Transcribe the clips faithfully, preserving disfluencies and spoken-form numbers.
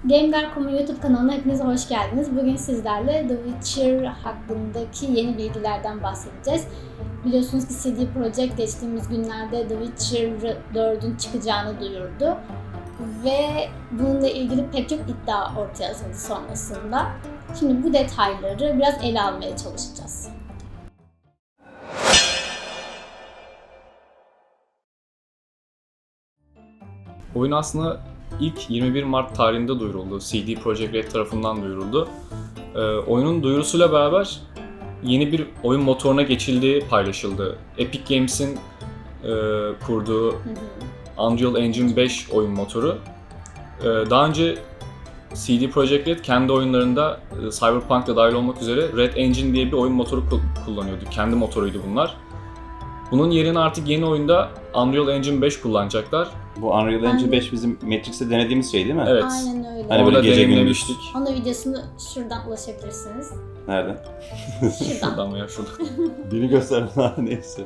Gamer nokta com'un YouTube kanalına hepiniz hoş geldiniz. Bugün sizlerle The Witcher hakkındaki yeni bilgilerden bahsedeceğiz. Biliyorsunuz ki C D Projekt geçtiğimiz günlerde The Witcher dördün çıkacağını duyurdu. Ve bununla ilgili pek çok iddia ortaya atıldı sonrasında. Şimdi bu detayları biraz ele almaya çalışacağız. Oyun aslında ilk yirmi bir Mart tarihinde duyuruldu. C D Projekt Red tarafından duyuruldu. Ee, oyunun duyurusuyla beraber yeni bir oyun motoruna geçildiği paylaşıldı. Epic Games'in e, kurduğu hı hı. Unreal Engine beş oyun motoru. Ee, daha önce C D Projekt Red kendi oyunlarında e, Cyberpunk da dahil olmak üzere Red Engine diye bir oyun motoru kullanıyordu. Kendi motoruydu bunlar. Bunun yerine artık yeni oyunda Unreal Engine beş kullanacaklar. Bu Unreal Engine beş bizim Matrix'te denediğimiz şey değil mi? Evet. Aynen öyle. Hani böyle gece gündüz. Onun videosunu şuradan ulaşabilirsiniz. Nereden? Şuradan. Şuradan veya şuradan. Beni gösterme neyse.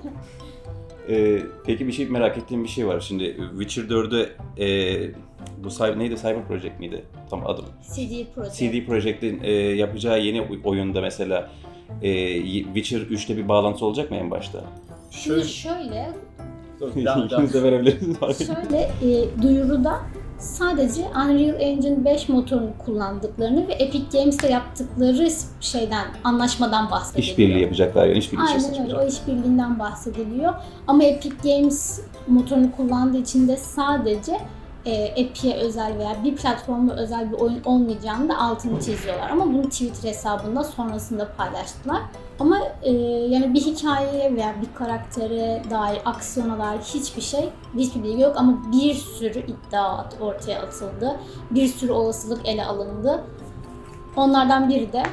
Ee, peki bir şey merak ettiğim bir şey var. Şimdi Witcher dördü e, bu cyber, neydi? Cyber Project miydi? Tam adım. C D Projekt. C D Projekt'in e, yapacağı yeni oyunda mesela e, Witcher üçte bir bağlantı olacak mı en başta? Şimdi şöyle, İkiniz de verebilirsiniz. şöyle e, duyuruda sadece Unreal Engine beş motorunu kullandıklarını ve Epic Games'le yaptıkları şeyden, anlaşmadan bahsediliyor. İşbirliği yapacaklar yani işbirliği Aynen öyle, o işbirliğinden bahsediliyor. Ama Epic Games motorunu kullandığı için de sadece e, Epic'e özel veya bir platforma özel bir oyun olmayacağını da altını çiziyorlar. Ama bunu Twitter hesabında sonrasında paylaştılar. Ama e, yani bir hikayeye veya bir karaktere dair aksiyona dair hiçbir şey, hiçbir bilgi yok ama bir sürü iddia ortaya atıldı. Bir sürü olasılık ele alındı. Onlardan biri de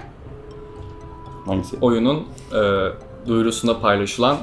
hangisi? Oyunun e, duyurusunda paylaşılan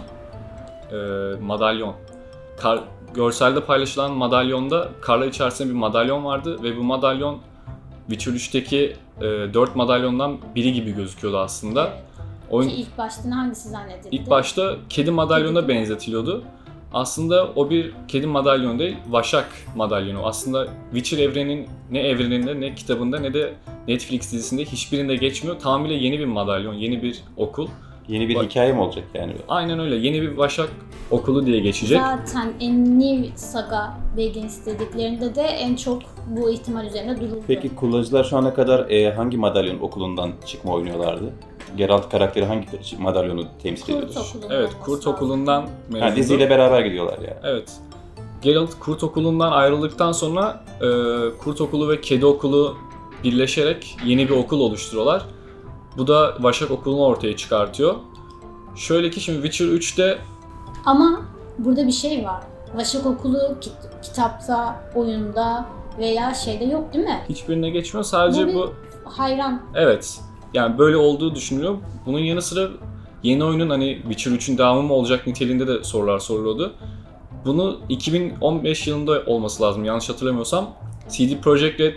e, madalyon. Kar, görselde paylaşılan madalyonda karlar içerisinde bir madalyon vardı ve bu madalyon Witcher üçteki e, dört madalyondan biri gibi gözüküyordu aslında. Oyun ilk başta hangisi zannedildi? İlk başta kedi madalyona kedi benzetiliyordu. Aslında o bir kedi madalyonu değil, Vaşak madalyonu. Aslında Witcher evreninin ne evreninde, ne kitabında, ne de Netflix dizisinde hiçbirinde geçmiyor. Tamamıyla yeni bir madalyon, yeni bir okul. Yeni bir Va- hikaye mi olacak yani? Aynen öyle. Yeni bir Vaşak okulu diye geçecek. Zaten en New Saga Begins dediklerinde de en çok bu ihtimal üzerine duruldu. Peki kullanıcılar şu ana kadar e, hangi madalyon okulundan çıkma oynuyorlardı? Geralt karakteri hangi madalyonu temsil ediyordu? Evet, Kurt Okulu'ndan mevzudu. Ha, diziyle beraber gidiyorlar yani. Evet. Geralt Kurt Okulu'ndan ayrıldıktan sonra e, Kurt Okulu ve Kedi Okulu birleşerek yeni bir okul oluşturuyorlar. Bu da Vaşak Okulu'nu ortaya çıkartıyor. Şöyle ki şimdi Witcher üçte... Ama burada bir şey var. Vaşak Okulu kit- kitapta, oyunda veya şeyde yok değil mi? Hiçbirine geçmiyor. Sadece bu... bu... Hayran. Evet. Yani böyle olduğu düşünülüyor. Bunun yanı sıra yeni oyunun hani Witcher üçün devamı mı olacak niteliğinde de sorular soruluyordu. Bunu iki bin on beş yılında olması lazım yanlış hatırlamıyorsam. C D Projekt Red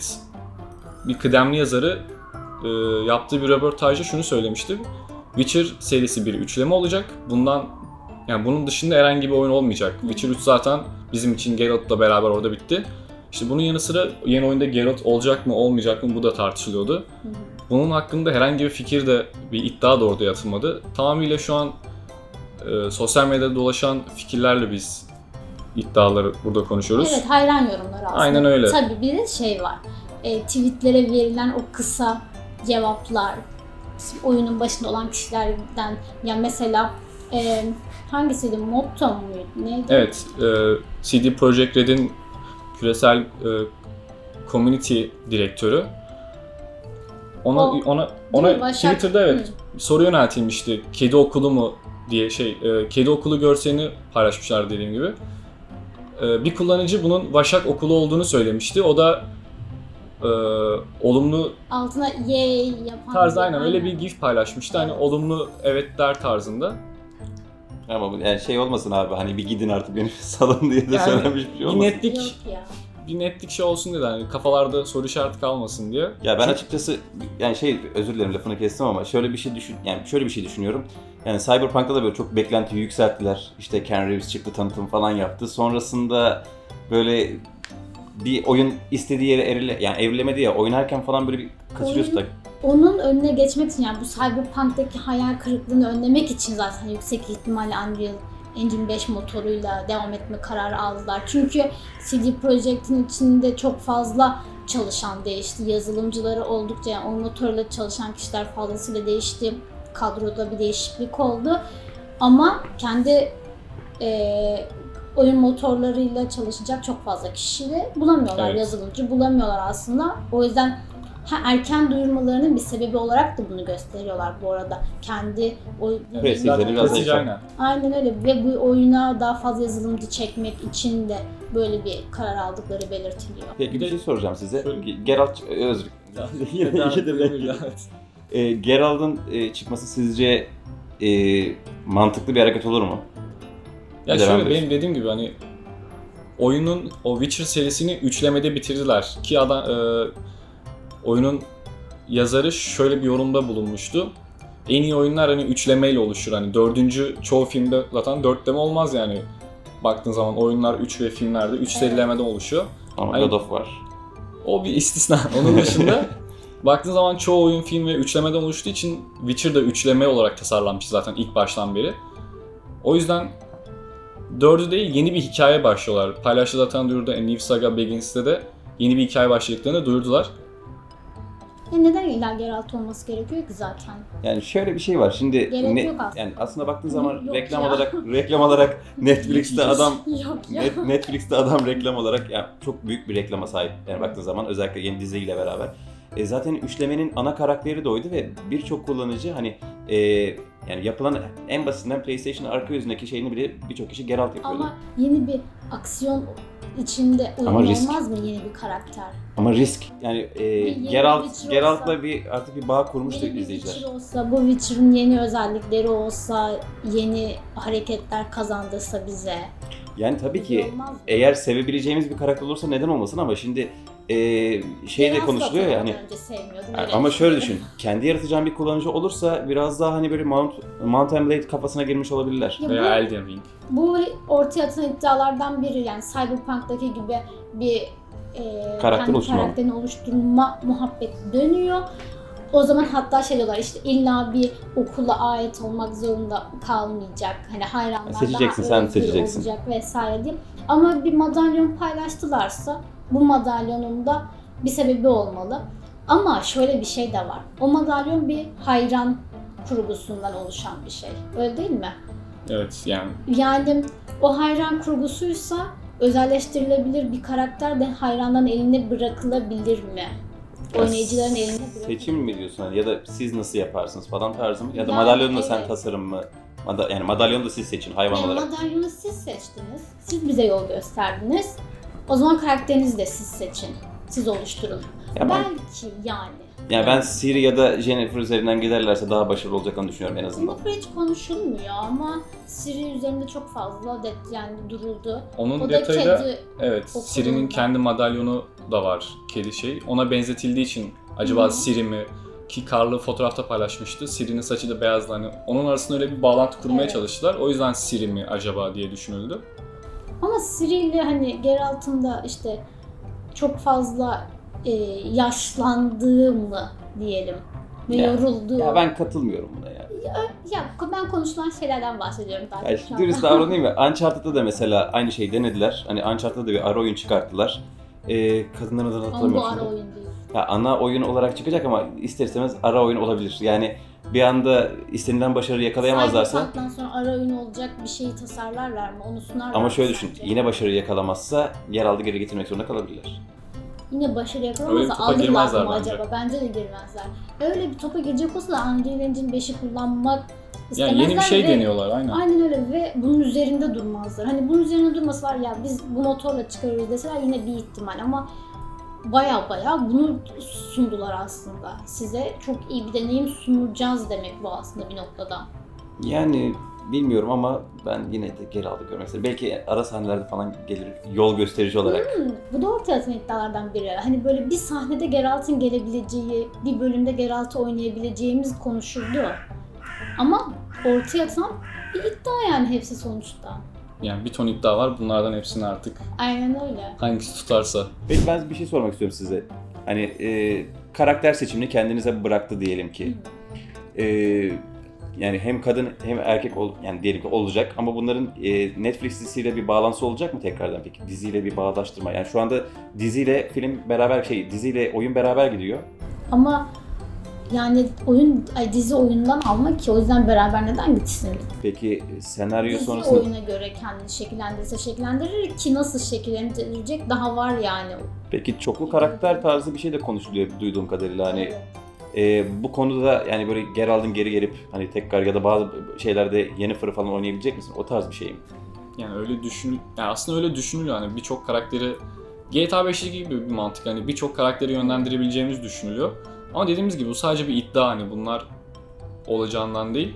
bir kıdemli yazarı e, yaptığı bir röportajda şunu söylemişti. Witcher serisi bir üçleme olacak. Bundan yani bunun dışında herhangi bir oyun olmayacak. Witcher üç zaten bizim için Geralt'la beraber orada bitti. İşte bunun yanı sıra yeni oyunda Geralt olacak mı olmayacak mı bu da tartışılıyordu. Bunun hakkında herhangi bir fikir de bir iddia da orada atılmadı. Tamamıyla şu an e, sosyal medyada dolaşan fikirlerle biz iddiaları burada konuşuyoruz. Evet, hayran yorumlar aslında. Aynen öyle. Tabii bir de şey var. E, tweetlere verilen o kısa cevaplar, oyunun başında olan kişilerden, yani mesela e, hangisiydi? Motto muydu? Neydi? Evet, e, C D Projekt Red'in küresel e, community direktörü. Ona o, ona ona Başak, Twitter'da evet hı. soru yöneltilmişti. Kedi okulu mu diye şey, e, kedi okulu görselini paylaşmışlar dediğim gibi. E, bir kullanıcı bunun Vaşak okulu olduğunu söylemişti. O da e, olumlu altına yay yapan tarzda aynen öyle bir gif paylaşmıştı. Evet. Hani olumlu evet der tarzında. Ama bu yani şey olmasın abi hani bir gidin artık beni salın diye de yani, söylemiş bir şey olmasın. Bir netlik, Yok ya. bir netlik şey olsun dedi hani kafalarda soru işareti kalmasın diye. Ya ben açıkçası yani şey özür dilerim lafını kestim ama şöyle bir şey düşün yani şöyle bir şey düşünüyorum. Yani Cyberpunk'ta da böyle çok beklentiyi yükselttiler. İşte Keanu Reeves çıktı tanıtım falan yaptı. Sonrasında böyle bir oyun istediği yere erile, yani evrilemedi ya, oynarken falan böyle bir kaçırıyorsun da. Onun önüne geçmek için, yani bu Cyberpunk'taki hayal kırıklığını önlemek için zaten yüksek ihtimalle Unreal Engine beş motoruyla devam etme kararı aldılar. Çünkü C D Projekt'in içinde çok fazla çalışan değişti. Yazılımcıları oldukça, yani o motorla çalışan kişiler fazlasıyla değişti. Kadroda bir değişiklik oldu. Ama kendi e, oyun motorlarıyla çalışacak çok fazla kişi de bulamıyorlar. Evet. Yazılımcı bulamıyorlar aslında. O yüzden ha, erken duyurmalarının bir sebebi olarak da bunu gösteriyorlar bu arada. Kendi oy- Evet, Prestijleri biraz prestij, da- aynen. Aynen öyle ve bu oyuna daha fazla yazılımcı çekmek için de böyle bir karar aldıkları belirtiliyor. Peki bir Bir de- şey soracağım size. Şöyle- Geralt, özür Yine Daha iki de bölümüyle, belki. evet. e, Geralt'ın e, çıkması sizce e, mantıklı bir hareket olur mu? Ya Bir de ben şöyle de- benim dediğim gibi hani oyunun o Witcher serisini üçlemede bitirdiler ki adam e, oyunun yazarı şöyle bir yorumda bulunmuştu. En iyi oyunlar hani üçlemeyle oluşur. Hani dördüncü çoğu filmde zaten dörtleme olmaz yani. Baktığın zaman oyunlar üç ve filmlerde üç Evet. serilemede oluşuyor. Ama Hani- God of var. O bir istisna. Onun dışında baktığın zaman çoğu oyun film ve üçlemeden oluştuğu için Witcher da üçleme olarak tasarlanmış zaten ilk baştan beri. O yüzden dördü değil yeni bir hikaye başlıyorlar. Paylaştı zaten duyurdu. A New Saga Begins'te de yeni bir hikaye başladıklarını duyurdular. E neden illa Geralt olması gerekiyor ki zaten? Yani şöyle bir şey var. Şimdi Gerek yok aslında. yani aslında baktığın zaman Yok reklam ya. olarak reklam olarak Netflix'te adam Yok ya. Net, Netflix'te adam reklam olarak yani çok büyük bir reklama sahip. Yani baktığın zaman özellikle yeni diziyle beraber. E, zaten üçlemenin ana karakteri de oydu ve birçok kullanıcı hani e, yani yapılan en basitinden PlayStation arka yüzündeki şeyini bile birçok kişi Geralt yapıyordu. Ama yeni bir aksiyon içinde uygun Ama risk. olmaz mı yeni bir karakter? Ama risk yani e, yeni Geralt Witcher Geralt'la olsa- bir artık bir bağ kurmuştu Yeni bir izleyiciler. Witcher olsa, bu Witcher'ın yeni özellikleri olsa, yeni hareketler kazandırsa bize. Yani tabii güzel ki olmaz mı? eğer sevebileceğimiz bir karakter olursa neden olmasın ama şimdi e, şey de Geralt konuşuluyor ya zaten hani önce sevmiyordum, yani öyle ama şöyle düşünüyorum. düşün. Kendi yaratacağın bir kullanıcı olursa biraz daha hani böyle Mount, Mount and Blade kafasına girmiş olabilirler. Ya Veya bu- Elden Ring. Bu ortaya atılan iddialardan biri, yani Cyberpunk'taki gibi bir e, Karakter kendi oluşturma. karakterini oluşturma muhabbeti dönüyor. O zaman hatta şey diyorlar, işte illa bir okula ait olmak zorunda kalmayacak. Hani hayranlar Seçeceksin, daha sen özgür seçeceksin. olacak vesaire diye. Ama bir madalyon paylaştılarsa bu madalyonun da bir sebebi olmalı. Ama şöyle bir şey de var. O madalyon bir hayran kurgusundan oluşan bir şey. Öyle değil mi? Evet yani Yani o hayran kurgusuysa özelleştirilebilir bir karakter de hayranların eline bırakılabilir mi? Oynayıcıların eline bırakılabilir. Seçim mi diyorsun hani ya da siz nasıl yaparsınız falan tarzı mı? Ya da Yani madalyonu da sen evet. tasarım mı? Mada- yani madalyonu da siz seçin hayvan Yani olarak. madalyonu siz seçtiniz. Siz bize yol gösterdiniz. O zaman karakterinizi de siz seçin. Siz oluşturun. Ya ben, Belki yani. yani ben Ciri ya da Jennifer üzerinden giderlerse daha başarılı olacaklarını düşünüyorum en azından. Jennifer hiç konuşulmuyor ama Siri üzerinde çok fazla det yani duruldu. onun O da detayı da kedi evet okulunda. Ciri'nin kendi madalyonu da var kedi şey. Ona benzetildiği için acaba Hı. Ciri mi ki Karlı fotoğrafta paylaşmıştı. Ciri'nin saçı da beyazdı hani onun arasında öyle bir bağlantı kurmaya Evet. çalıştılar. O yüzden Ciri mi acaba diye düşünüldü. Ama Ciri ile hani Geralt'ın da işte çok fazla e, yaşlandığı mı diyelim ve Ya- yorulduğu. Ya ben katılmıyorum buna ya. Ya ben konuşulan şeylerden bahsediyorum daha Ya çok. şu dürüst davranayım mı? Uncharted'da da mesela aynı şeyi denediler. Hani Uncharted'da da bir ara oyun çıkarttılar. Ee, kadınların adını Ama bu hatırlamıyorum ara şimdi. oyun değil. Ya ana oyun olarak çıkacak ama ister istemez ara oyun olabilir. Yani bir anda istenilen başarı yakalayamazlarsa Cyberpunk'tan sonra ara oyun olacak bir şeyi tasarlarlar mı? Onu sunarlar ama mı şöyle düşün. sence? Yine başarı yakalamazsa yeraltı geri getirmek zorunda kalabilirler. Yine başarı Öyle yakalamazsa bir topa alırlar girmezler mı bence. acaba? Bence de girmezler. Öyle bir topa girecek olsa da Unreal Engine beşi kullanmak istemezler Yani yeni bir şey ve- deniyorlar aynen. Aynen öyle ve bunun üzerinde durmazlar. Hani bunun üzerinde durmasalar ya biz bu motorla çıkarıyoruz deseler yine bir ihtimal ama baya baya bunu sundular aslında. Size çok iyi bir deneyim sunacağız demek bu aslında bir noktada. Yani bilmiyorum ama ben yine de geri aldı görmek istedim. Belki ara sahnelerde falan gelir yol gösterici olarak. Hmm, bu da ortaya atılan iddialardan biri. Hani böyle bir sahnede Geralt'ın gelebileceği, bir bölümde Geralt'ı oynayabileceğimiz konuşuldu. Ama ortaya atılan bir iddia yani hepsi sonuçta. Yani bir ton iddia var. Bunlardan hepsini artık Aynen öyle. hangisi tutarsa. Peki ben bir şey sormak istiyorum size. Hani e, karakter seçimini kendinize bıraktı diyelim ki. E, yani hem kadın hem erkek ol, yani diyelim ki olacak ama bunların e, Netflix dizisiyle bir bağlantısı olacak mı tekrardan peki? Diziyle bir bağdaştırma. Yani şu anda diziyle film beraber şey diziyle oyun beraber gidiyor. Ama yani oyun, ay dizi oyundan almak ki o yüzden beraber neden gitsin? Peki senaryo Dizi sonrasında oyuna göre kendini şekillendirirse şekillendirir ki nasıl şekillendirecek daha var yani. peki çoklu karakter tarzı bir şey de konuşuluyor duyduğum kadarıyla hani Evet. e, bu konuda yani böyle Geralt'ın geri gelip hani tekrar ya da bazı şeylerde Yennefer'ı falan oynayabilecek misin? O tarz bir şey mi? Yani öyle düşün, yani aslında öyle düşünülüyor hani birçok karakteri G T A beşteki gibi bir mantık hani birçok karakteri yönlendirebileceğimiz düşünülüyor. Ama dediğimiz gibi bu sadece bir iddia hani bunlar olacağından değil.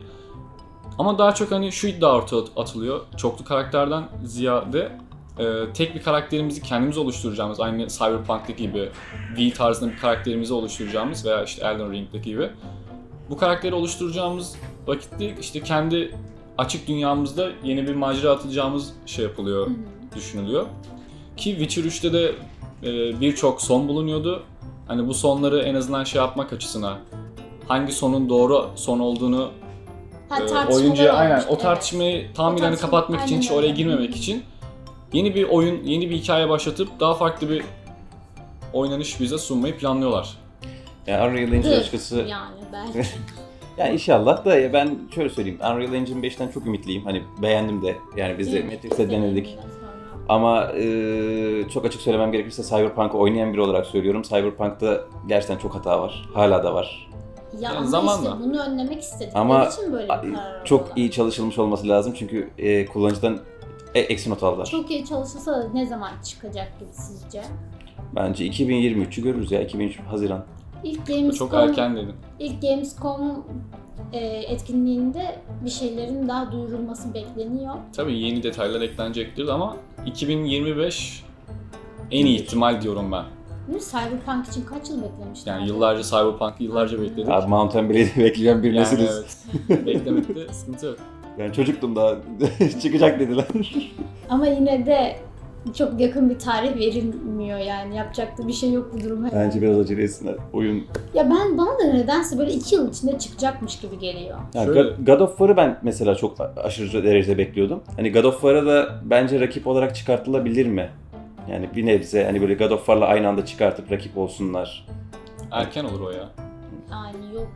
Ama daha çok hani şu iddia ortaya atılıyor. Çoklu karakterden ziyade e, tek bir karakterimizi kendimiz oluşturacağımız aynı Cyberpunk'taki gibi V tarzında bir karakterimizi oluşturacağımız veya işte Elden Ring'deki gibi bu karakteri oluşturacağımız vakitte işte kendi açık dünyamızda yeni bir macera atacağımız şey yapılıyor, Hı hı. düşünülüyor. Ki Witcher üçte de e, birçok son bulunuyordu. Hani bu sonları en azından şey yapmak açısına hangi sonun doğru son olduğunu Ha, e, tartışmalar oyuncuya aynen olmuştu, o evet. tartışmayı tam O bir hani tartışma- kapatmak için aynen hiç oraya öyle. girmemek Hı. için yeni bir oyun, yeni bir hikaye başlatıp daha farklı bir oynanış bize sunmayı planlıyorlar. Yani Unreal Engine Dır açıkçası yani belki. yani inşallah da ya ben şöyle söyleyeyim. Unreal Engine beşten çok ümitliyim. Hani beğendim de. Yani biz de Değil mi? Matrix'te denedik. Deneyimden sonra. Ama e, çok açık söylemem gerekirse Cyberpunk'ı oynayan biri olarak söylüyorum. Cyberpunk'ta gerçekten çok hata var. Hala da var. Ya Yani ama zamanla. işte bunu önlemek istedikleri Ama için böyle bir karar çok aldılar. iyi çalışılmış olması lazım. Çünkü e, kullanıcıdan e, eksi not aldılar. Çok iyi çalışılsa da ne zaman çıkacak gibi sizce? Bence iki bin yirmi üçü görürüz ya. iki bin üç Haziran. İlk Çok Gamescom, erken dedim. ilk Gamescom e, etkinliğinde bir şeylerin daha duyurulması bekleniyor. Tabii yeni detaylar eklenecektir ama iki bin yirmi beş en iyi ihtimal diyorum ben. Değil mi? Cyberpunk için kaç yıl beklemişler? Yani yıllarca Cyberpunk'ı yıllarca bekledik. Abi Mountain Blade'i bekleyen bir Yani nesiliz. evet. Beklemekte sıkıntı yok. Ben çocuktum daha. Çıkacak dediler. Ama yine de çok yakın bir tarih verilmiyor yani. Yapacak da bir şey yok bu duruma. Bence biraz acele etsinler. Oyun. Ya ben bana da nedense böyle iki yıl içinde çıkacakmış gibi geliyor. Yani Şöyle- God- God of War'ı ben mesela çok aşırı derecede bekliyordum. Hani God of War'a da bence rakip olarak çıkartılabilir mi? Yani bir nebze hani böyle God of War'la aynı anda çıkartıp rakip olsunlar. Erken olur o ya. Yani yok.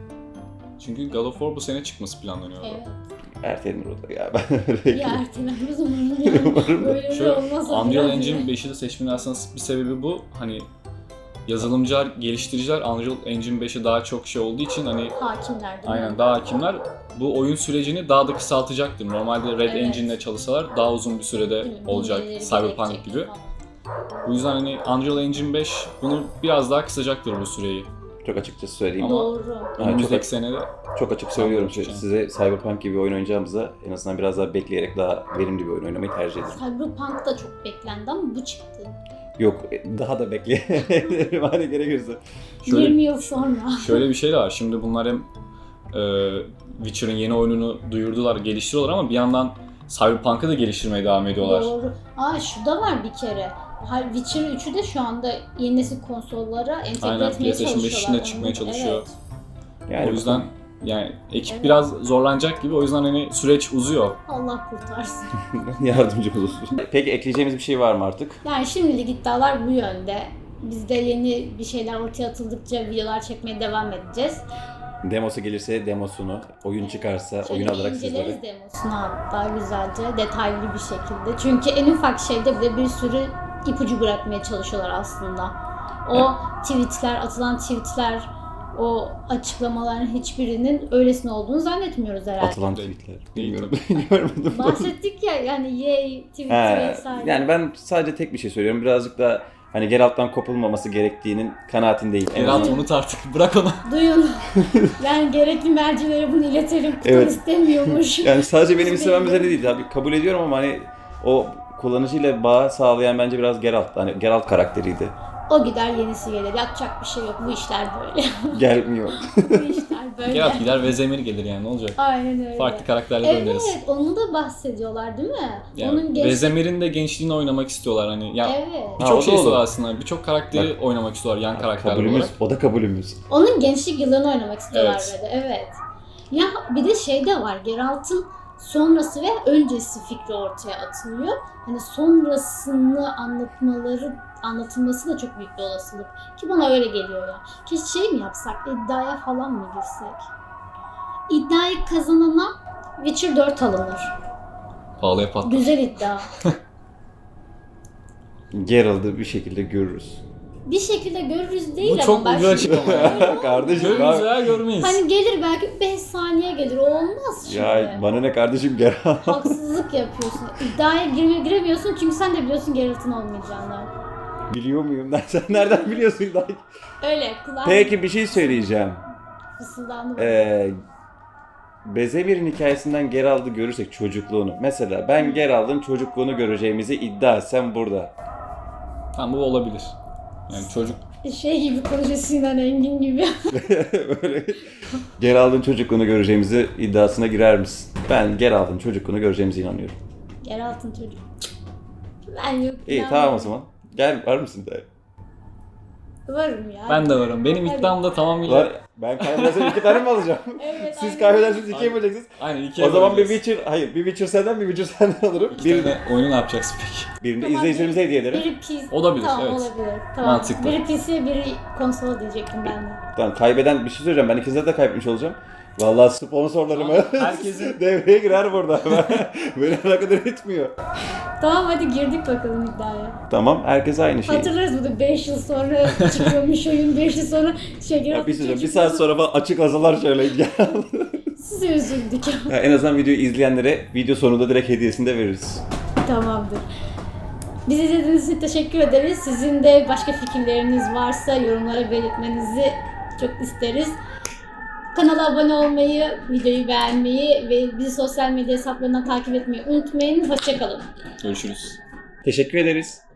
Çünkü God of War bu sene çıkması planlanıyor. Evet. Ertelenir o da ya. Ben öyle Ya ertelenmez umarım yani. Umarım. Böyle Şöyle, de olmaz. Unreal Engine beşi de seçmenin aslında bir sebebi bu. Hani yazılımcılar, geliştiriciler Unreal Engine beşe daha çok şey olduğu için hani Hakimler değil mi? aynen daha hakimler bu oyun sürecini daha da kısaltacaktır. Normalde Red Evet. Engine'le çalışsalar daha uzun bir sürede Değil mi? olacak Bilmeleri Cyberpunk gerekecek gibi. falan. Bu yüzden hani Unreal Engine beş bunu biraz daha kısacaktır bu süreyi. Çok açıkçası söyleyeyim. Ama- Doğru. Önümüzdeki çok- senede Çok açık söylüyorum Tamam, size Cyberpunk gibi oyun oynayacağımıza en azından biraz daha bekleyerek daha verimli bir oyun oynamayı tercih ederim. Cyberpunk da çok beklendi ama bu çıktı. Yok daha da bekleyelim hani gerekirse. şöyle yirmi yıl sonra. şöyle bir şey de var. Şimdi bunlar hem e, Witcher'ın yeni oyununu duyurdular, geliştiriyorlar ama bir yandan Cyberpunk'ı da geliştirmeye devam ediyorlar. Doğru. Aa şu da var bir kere. Ha, Witcher üçü de şu anda yeni nesil konsollara entegre Aynen, etmeye PlayStation beş çalışıyorlar. için de çıkmaya Onu- çalışıyor. Evet. Yani o yüzden yani ekip Evet. biraz zorlanacak gibi. O yüzden hani süreç uzuyor. Allah kurtarsın. yardımcı olursun. Peki ekleyeceğimiz bir şey var mı artık? Yani şimdilik iddialar bu yönde. Biz de yeni bir şeyler ortaya atıldıkça videolar çekmeye devam edeceğiz. Demosu gelirse demosunu, oyun çıkarsa Şöyle oyun bir alarak inceleriz sizlere. demosunu hatta güzelce, detaylı bir şekilde. Çünkü en ufak şeyde bile bir sürü ipucu bırakmaya çalışıyorlar aslında. O tweetler, atılan tweetler, o açıklamaların hiçbirinin öylesine olduğunu zannetmiyoruz herhalde. Atılan Değil. tweetler. Bilmiyorum. Görmedim. Bahsettik ya yani yay tweet He, vesaire. yani ben sadece tek bir şey söylüyorum. Birazcık da hani Geralt'tan kopulmaması gerektiğinin kanaatindeyim. En Geralt azından- unut artık. Bırak onu. Duyun. Yani gerekli mercilere bunu iletelim. Kutan Evet. istemiyormuş. Yani sadece benim Biz istemem de- üzerine değil tabii kabul ediyorum ama hani o kullanıcıyla bağ sağlayan bence biraz Geralt. Hani Geralt karakteriydi. O gider yenisi gelir. Yapacak bir şey yok. Bu işler böyle. Gelmiyor. Bu işler böyle. Geralt gider ve Zemir gelir yani ne olacak? Aynen öyle. Farklı karakterle Evet, oynarız. onu da bahsediyorlar değil mi? Yani Onun genç... Vezemir'in de gençliğini oynamak istiyorlar hani. Ya Evet. Ha, o birçok da şey istiyorlar olur. aslında. Birçok karakteri oynamak istiyorlar yan karakterler Kabulümüz. olarak. O da kabulümüz. Onun gençlik yıllarını oynamak istiyorlar Evet. böyle. Evet. Ya bir de şey de var. Geralt'ın sonrası ve öncesi fikri ortaya atılıyor. Hani sonrasını anlatmaları anlatılması da çok büyük bir olasılık. Ki bana öyle geliyor ya. Ki şey mi yapsak? İddiaya falan mı girsek? İddiayı kazanana Witcher dört alınır. Pahalıya patlar. Güzel iddia. Geralt'ı bir şekilde görürüz. Bir şekilde görürüz değil Bu ama çok ben ucu açık ama ya. Kardeşim Görürüz ben... veya görmeyiz. Hani gelir belki beş saniye gelir. O olmaz şimdi. Ya bana ne kardeşim Geralt. Haksızlık yapıyorsun. İddiaya girme, giremiyorsun çünkü sen de biliyorsun Geralt'ın olmayacağını. Biliyor muyum? Sen nereden biliyorsun? Öyle kulağım Peki bir şey söyleyeceğim. fısıldandı. Ee, Bezemir'in hikayesinden Geralt'ı görürsek çocukluğunu. Mesela ben Geralt'ın çocukluğunu göreceğimizi iddia etsem burada. Tamam bu olabilir. Yani çocuk Şey gibi konuşuyor Sinan Engin gibi. Böyle Geralt'ın çocukluğunu göreceğimizi iddiasına girer misin? Ben Geralt'ın çocukluğunu göreceğimize inanıyorum. Geralt'ın çocuğu. Ben yok. İyi ben tamam o zaman. Gel var mısın da? Varım ya. ben de varım. Benim Hadi. iddiam da tamamıyla... Var. Ben kaybedersem iki tane mi alacağım? Evet, Siz aynen. kaybedersiniz ikiye böleceksiniz. Aynen ikiye O zaman bir böleceğiz. Witcher, hayır bir Witcher senden bir Witcher senden alırım. İki Bir, tane oyunu ne yapacaksın peki? birini Tamam, izleyicilerimize hediye ederim. Biri P C. Olabilir, tamam, evet. olabilir. Tamam. Mantıklı. Biri P C, biri konsol diyecektim ben de. Tamam kaybeden bir şey söyleyeceğim. Ben ikinize de kaybetmiş olacağım. Vallahi sponsorlarımı Tamam, herkesin- devreye girer burada. Beni alakadar etmiyor. Tamam hadi girdik bakalım iddiaya. Tamam herkes aynı şey. Hatırlarız bunu beş yıl sonra çıkıyormuş oyun, beş yıl sonra şey Ya Geralt'ın bir, şey söyleyeyim, bir çocuğu- saat sonra falan açık azalar şöyle. Size üzüldük. Ya en azından videoyu izleyenlere video sonunda direkt hediyesini de veririz. Tamamdır. Bizi izlediğiniz için teşekkür ederiz. Sizin de başka fikirleriniz varsa yorumlara belirtmenizi çok isteriz. Kanala abone olmayı, videoyu beğenmeyi ve bizi sosyal medya hesaplarından takip etmeyi unutmayın. Hoşça kalın. Görüşürüz. Teşekkür ederiz.